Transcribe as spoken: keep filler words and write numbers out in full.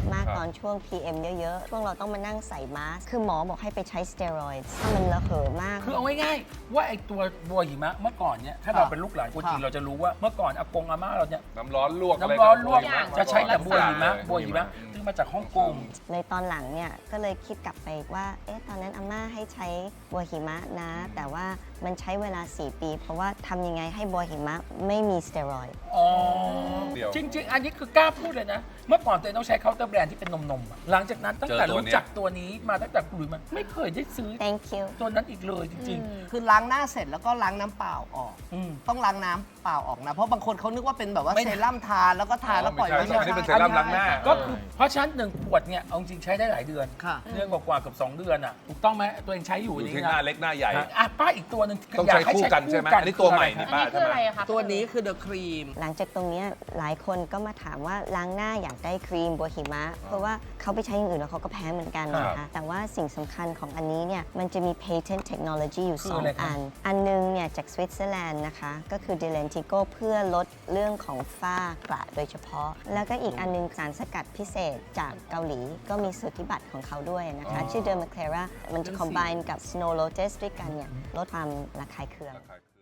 มากตอนช่วง พี เอ็ม เยอะๆ ช่วงเราต้องมานั่งใส่มาสก์คือหมอบอกให้ไปใช้สเตียรอยด์ถ้ามันระเหยมากคือเอาง่ายๆว่าไอ้ตัวบัวหิมะเมื่อก่อนเนี่ยถ้าเราเป็นลูกหลานคนจีนเราจะรู้ว่าเมื่อก่อนอากงอาม่าเราเนี่ยน้ำร้อนลวกน้ำร้อนลวกะไจะใช้แต่บัวหิมะเลยบัวหิมะซึ่งมาจากฮ่องกงในตอนหลังเนี่ยก็เลยคิดกลับไปว่าเอ๊ะตอนนั้นอาม่าให้ใช้บัวหิมะนะ แต่ว่ามันใช้เวลา สี่ ปี เพราะว่าทำยังไงให้บัวหิมะไม่มีสเตียรอยด์อ๋อเดี๋ยวจริง ๆ อันนี้คือกล้าพูดเลยนะ เมื่อก่อนตัวเองต้องใช้เคาน์เตอร์แบรนด์ที่เป็นนมๆอะหลังจากนั้นตั้งแต่เจอตัวรู้เนี้ยจักตัวนี้มาตั้งแต่คุยมันไม่เคยได้ซื้อ thank you ตัวนั้นอีกเลยจริงคือล้างหน้าเสร็จแล้วก็ล้างน้ำเปล่าออกๆอืมต้องล้างน้ำเปล่าออกนะ เพราะบางคนเขานึกว่าเป็นแบบว่าไม่เซรั่มทาแล้วก็ทาแล้วปล่อยไม่ใช่อันนี้เป็นเซรั่มล้างหน้าก็คือเพราะฉะนั้นหนึ่งขวดเนี่ยเอาจริงใช้ได้หลายเดือนค่ะเดือนกว่าๆเกือบสองเดือนอ่ะถูกต้องไหมตัวเองใช้อยู่อยู่นี่ที่หน้าเล็กหน้าใหญ่อ่ะป้าอีกตัวหนึ่งต้องยาใช้คู่กันใช่ไหมอันนี้ตัวใหม่นี่อันป้านี้คืใช่อไหมอะไรอะคะตัวนี้คือเดอะครีมหลังจากตรงเนี้ยหลายคนก็มาถามว่าล้างหน้าอยากได้ครีมบัวหิมะ เพราะว่าเขาไปใช้อย่างอื่นแล้วเขาก็แพ้เหมือนกันนะครัคะบแต่ว่าสิ่งสำคัญของอันนี้เนี่ยมันจะมี patent technology อยู่คือสองอะไรครับอัน อันหนึงเนี่ยจากสวิตเซอร์แลนด์นะคะ ก็คือ d e l e n t i g o เพื่อลดเรื่องของฝ้ากระโดยเฉพาะ แล้วก็อีกอันหนึงสารสกัดพิเศษจากเกาหลีก็มีสูติบัตรของเขาด้วยนะคะ ชื่อ Dermaclera มันจะ combine กับ Snow Lotus ด้วยกันเนี่ยลดความระคายเคือง